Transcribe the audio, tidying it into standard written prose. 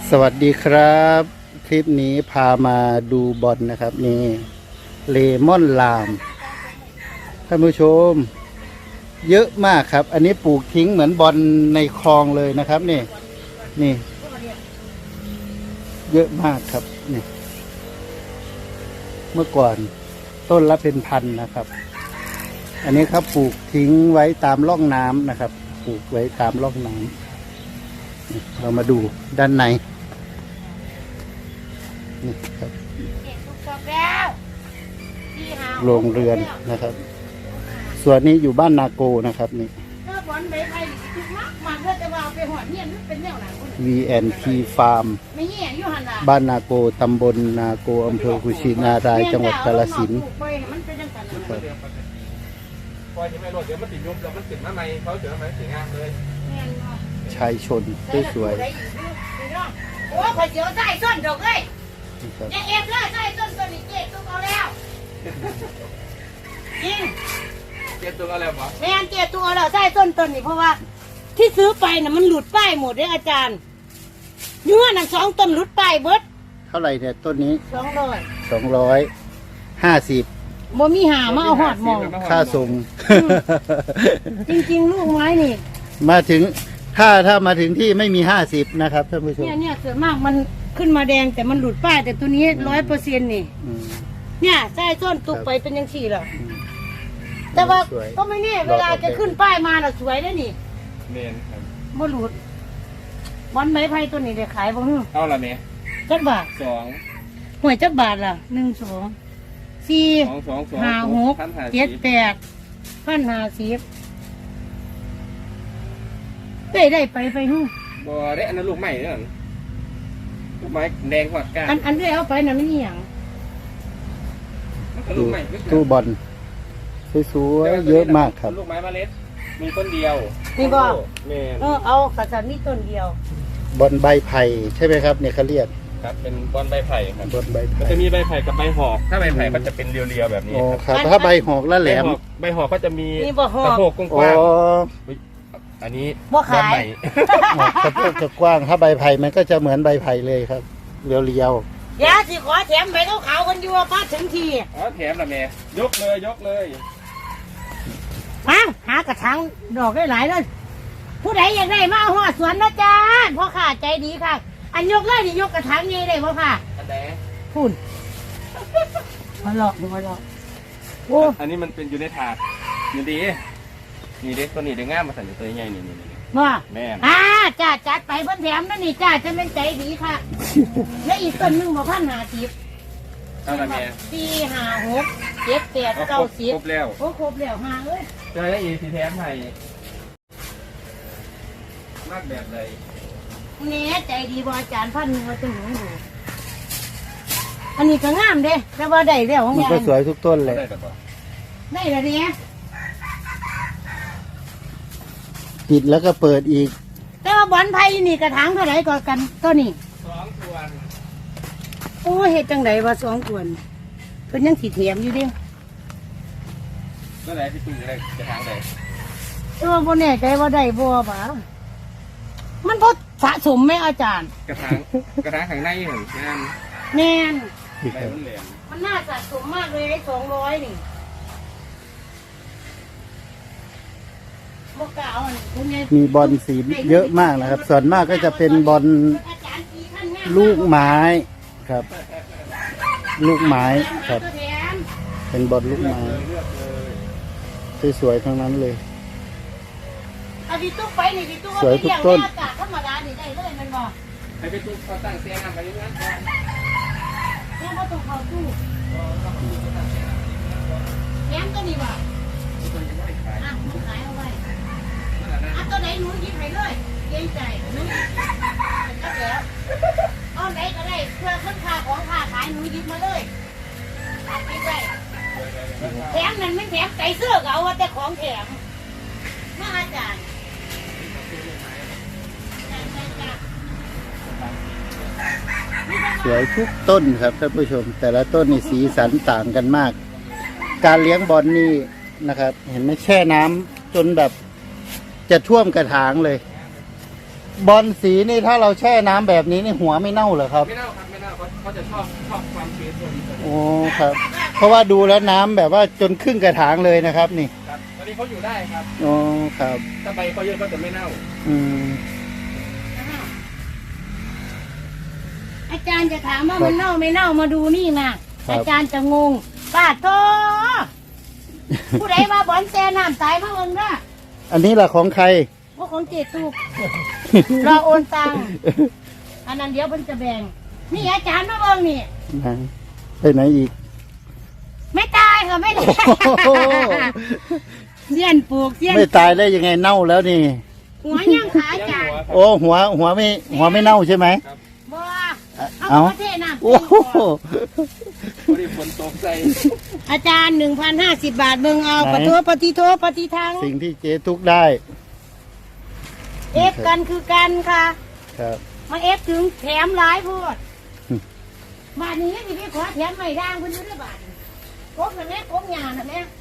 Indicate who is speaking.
Speaker 1: สวัสดีครับคลิปนี้พามาดูบอลนะครับนี่เลมอนลามท่านผู้ชมเยอะมากครับอันนี้ปลูกทิ้งเหมือนบอลในคลองเลยนะครับนี่เยอะมากครับนี่เมื่อก่อนต้นละเป็นพันนะครับอันนี้ครับปลูกทิ้งไว้ตามร่องน้ำนะครับปลูกไว้ตามร่องน้ำเรามาดูด้านในนี่ครับโรงเรือนนะครับส่วนนี้อยู่บ้านนาโกนะครับนี่ VNT Farm บ้านนาโกตำบลนาโกอำเภอกุชินารายจังหวัดกาฬสินธุ์
Speaker 2: ปล่อยที่ไม่รดเดี๋ยวมันติดยุบแล้วมันติดมาใหม่เขาเสือมาสีงามเลย
Speaker 1: ชายชนสวย
Speaker 3: โอ้ข่อยเสียวใส่ส้นดอกเลยเนี่ยเอฟเลยใส่ส้นตัวนี้เจ๊ตุ้มเอาแล้วจริง
Speaker 2: เจ็บตัวอะไรวะ
Speaker 3: แม่เจ๊ตุ้มเอาแล้วใส่ส้นตัวนี้เพราะว่าที่ซื้อไปน่ะมันหลุดป้ายหมดเลยอาจารย์เนื้อน่ะ2 ต้นหลุดป้ายเบิด
Speaker 1: เท่าไหร่เนี่ยต้นนี้250
Speaker 3: บ่มีหามาเอาหอดมอง
Speaker 1: ค่าส่ง
Speaker 3: จริงๆลูกไม้นี่
Speaker 1: มาถึงถ้ามาถึงที่ไม่มี50นะครับท่านผู้ชม
Speaker 3: เนี่ยส่วนมากมันขึ้นมาแดงแต่มันหลุดป้ายแต่ตัวนี้100%นี่เนี่ยใส่ส้นตุกไปเป็นยังสี่หรอแต่ว่าก็ไม่แน่เวลาจะขึ้นป้ายมาน่ะสวยได้นี่
Speaker 2: เมนครับ
Speaker 3: บ่หลุดวันไม้ไผ่ตัวนี้ได้ขายบ่ฮึ
Speaker 2: เอาละเม
Speaker 3: จักบาท
Speaker 2: 2
Speaker 3: หวยจักบาทล่ะ1 2 4 5 6 7 8 1,050ได้ไปฮึ
Speaker 2: บ่ได้อันนั้นลูกใหม่เด้อลูกไม้แดงกว่าก้า
Speaker 3: อันได้เอาไปน่ะมันอีหยัง
Speaker 2: ลูกใหม่
Speaker 1: ตู้บอลสวยๆเยอะมากครับ
Speaker 2: ลูกไม้เมล็ดมีต้นเดียว
Speaker 3: นี่บ่
Speaker 2: แม่
Speaker 3: เอากระสันนี่ต้นเดียว
Speaker 1: บอลใบไผ่ใช่ไหมครับเนี่ยเขาเรียก
Speaker 2: ครับเป็นบอลใบไผ่ครับ
Speaker 1: บอลใบไผ่
Speaker 2: จะมีใบไผ่กับใบหอกถ้าใบไผ่มันจะเป็นเรียวๆแบบนี้
Speaker 1: ครับถ้าใบหอกแล้วแหลม
Speaker 2: ใบหอกก็จะมี
Speaker 3: สะ
Speaker 2: โพกกว้างอันนี้
Speaker 3: บ่ขาย
Speaker 1: สะโพกจะกว้างถ้าใบไผ่มันก็จะเหมือนใบไผ่เลยครับเรียว
Speaker 3: ๆอย่าสิขอแถมใบขาวๆกันอยู่ว่าป้าถึงที
Speaker 2: แถมละแม่ยกเลย
Speaker 3: มาหากระถางดอกได้หลายเลยผู้ใดอยากได้มาหัวสวนนะจ๊ะพ่อข้าใจดีค่ะอันยกเลยนี่ยกกระถางนี้ได้พ่อค่ะ
Speaker 2: อันไหน
Speaker 3: พูดมาหลอกโอ้
Speaker 2: อันนี้มันเป็นอยู่ในถาดนี่ดีนี่เด็กตัวนี้เด็กง่ามมาใส่ตัวใหญ่นี่
Speaker 3: ว่า
Speaker 2: แม่
Speaker 3: จ้าจัดไปเพิ่นแถมนั่นนี่จ้าจะเป็นใจดีค่ะแล้วอีกต้นนึงบ่1,050
Speaker 2: เอาละแม่
Speaker 3: 4 5 6 7 8 9 10
Speaker 2: ครบแล้ว
Speaker 3: ครบแล้ว5เอ้ย
Speaker 2: เจอได้อีกสีแถมให้มากแบบใด
Speaker 3: เนี่ยใจดีบ่อาจารย์1,000ว่าจะหนูดูอันนี้ก็งามเด้แต่ว่าได้แล้วของ
Speaker 1: มันก็สวยทุกต้นเลย
Speaker 3: ได้แล้วเนี่ย
Speaker 1: ปิดแล้วก็เปิดอีก
Speaker 3: แต่ว่าบอนไผ่นี่กระถางเท่าไหร่ก็กันตัวนี้
Speaker 2: 2 ส่วน
Speaker 3: โอ้เฮ็ดจังไดว่า2 ส่วนเพิ่นยังสิแถมอยู่เด้
Speaker 2: ก็ได้ที่ตุ้งได้กระถางได้
Speaker 3: แต่ว่าบ่แน่ใจว่าได้บ่ป่ะมันบ่สะสมไหมอาจารย์
Speaker 2: กระถางข้างในเหมือนกัน
Speaker 3: แม่น
Speaker 2: มัน
Speaker 3: น่าสะสมมากเลยไอ้200นี่
Speaker 1: มีบอลสีเยอะมากนะครับส่วนมากก็จะเป็นบอลลูกไม้ครับลูกไม้ครับเป็นบอลลูกไม้สวยๆทั้งนั้นเลยสวยทุกต้น
Speaker 3: ธรรมดานี่ได้เลยมันบอก
Speaker 2: ให้ไปตู้เขาตั้งเสียงไปอย่างนั้น
Speaker 3: แม่ก็ต้องเข้าตู้แง้มตัวนี้ว่ะขายเอาไว้ตัวไหนหนูยิบให้เลยเกรงใจหนูก็แล้วเอาไหนก็ได้เพื่อขึ้นค่าของค่าขายหนูยิบมาเลยไม่ใช่แถมนั่นไม่แถมไก่เสื้อก็เอาแต่ของแถมมาอาจารย์
Speaker 1: สวยทุกต้นครับท่านผู้ชมแต่ละต้นนี่สีสันต่างกันมากการเลี้ยงบอลนี่นะครับเห็นไหมแช่น้ำจนแบบจะท่วมกระถางเลยบอลสีนี่ถ้าเราแช่น้ำแบบนี้นี่หัวไม่เน่าเหรอครับ
Speaker 2: ไม่เน่าครับไม่เน่าเขาจะชอบความชื้นตัวนี้
Speaker 1: โอ้ครับ เพราะว่าดูแล้วน้ำแบบว่าจนครึ่งกระถางเลยนะครับนี่
Speaker 2: ครับตอนนี้เขาอยู่ได้ครับ
Speaker 1: โอ้ครับ
Speaker 2: ถ้าใบเขาเยอะก็จะไม่เน่า
Speaker 1: อืม
Speaker 3: อาจารย์จะถามว่ามันเน่าไม่เน่ามาดูนี่มาอาจารย์จะงงป้าโตผู้ใดมาบอนแซน้ำตายมาเอิงนะ
Speaker 1: อันนี้ล่ะของใคร
Speaker 3: ว่าของเจตุกรอโอนตังค์อันนั้นเดี๋ยวเพิ่นจะแบ่งนี่อาจารย์มาเบิ่งนี่
Speaker 1: ไหนไปไหนอีก
Speaker 3: ไม่ตายค่ะไม่ตาย
Speaker 1: โอ้โห
Speaker 3: เสี้ยนปลูกเสี้ยน
Speaker 1: ไม่ตายได้ยังไงเน่าแล้วนี่
Speaker 3: หัวย่างขาอาจารย์
Speaker 1: โอ้หัวไม่เน่าใช่ไหม
Speaker 3: บ่
Speaker 1: เอา
Speaker 3: เอาประเทศน้ำ
Speaker 1: โอ้โห
Speaker 2: พอดีฝนตกใจ
Speaker 3: อาจารย์ 1,050 บาทเบิ่งเอาปฏิโทปฏิทัง
Speaker 1: สิ่งที่เจ๊ทุกได้
Speaker 3: เอฟกันคือกันค่ะ
Speaker 1: ครับ
Speaker 3: มาเอฟถึงแถมหลายโพดบาทนี้สิไปขอแถมไม่ด่างเพิ่นอยู่ด้วยบาทกบน่ะแม่กบหญ้าน่ะแม่